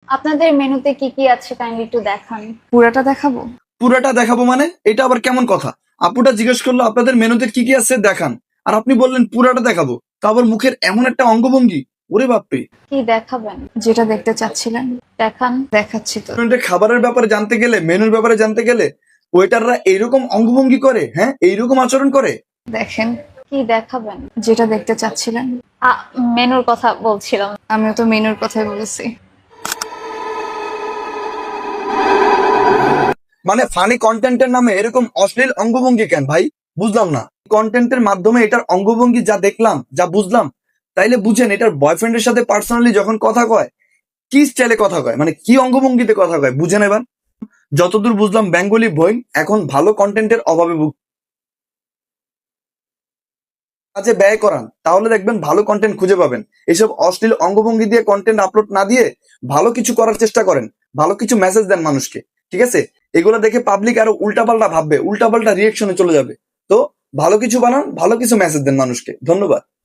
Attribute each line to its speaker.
Speaker 1: আপনাদের মেনুতে কি কি আছে কাইন্ডলি একটু দেখান। পুরাটা দেখাবো?
Speaker 2: পুরাটা দেখাবো মানে এটা আবার কেমন কথা? আপুটা জিজ্ঞেস করলো আপনাদের মেনুতে কি কি আছে দেখান, আর আপনি বললেন পুরাটা দেখাবো। তা আবার মুখের এমন একটা অঙ্গভঙ্গি, ওরে বাপরে।
Speaker 1: কি দেখাবেন? যেটা দেখতে চাচ্ছিলেন দেখান। দেখাচ্ছি তো।
Speaker 2: রেস্টুরেন্টে খাবারের ব্যাপারে জানতে গেলে, মেনুর ব্যাপারে জানতে গেলে ওয়েটাররা এইরকম অঙ্গভঙ্গি করে, হ্যাঁ এইরকম আচরণ করে।
Speaker 1: দেখেন। কি দেখাবেন? যেটা দেখতে চাচ্ছিলেন। মেনুর কথা বলছিলাম। আমিও তো মেনুর কথাই বলেছি।
Speaker 2: মানে ফানি কন্টেন্টের নামে এরকম অশ্লীল অঙ্গভঙ্গি কেন ভাই? বুঝলাম না। কন্টেন্টের মাধ্যমে এটার অঙ্গভঙ্গি যা দেখলাম, যা বুঝলাম, তাইলে বুঝেন এটার বয়ফ্রেন্ডের সাথে পার্সোনালি যখন কথা কয় কি স্টাইলে কথা কয়, মানে কি অঙ্গভঙ্গিতে কথা কয় বুঝেন এবার। যতদূর বুঝলাম বেঙ্গলি বই এখন ভালো কন্টেন্টের অভাবে কাজে ব্যয় করান, তাহলে দেখবেন ভালো কন্টেন্ট খুঁজে পাবেন। এসব অশ্লীল অঙ্গভঙ্গি দিয়ে কন্টেন্ট আপলোড না দিয়ে ভালো কিছু করার চেষ্টা করেন, ভালো কিছু মেসেজ দেন মানুষকে, ঠিক আছে? এগুলো দেখে পাবলিক আরো উল্টাপাল্টা ভাববে, উল্টাপাল্টা রিয়েকশনে চলে যাবে। তো ভালো কিছু বানান, ভালো কিছু মেসেজ দেন মানুষকে। ধন্যবাদ।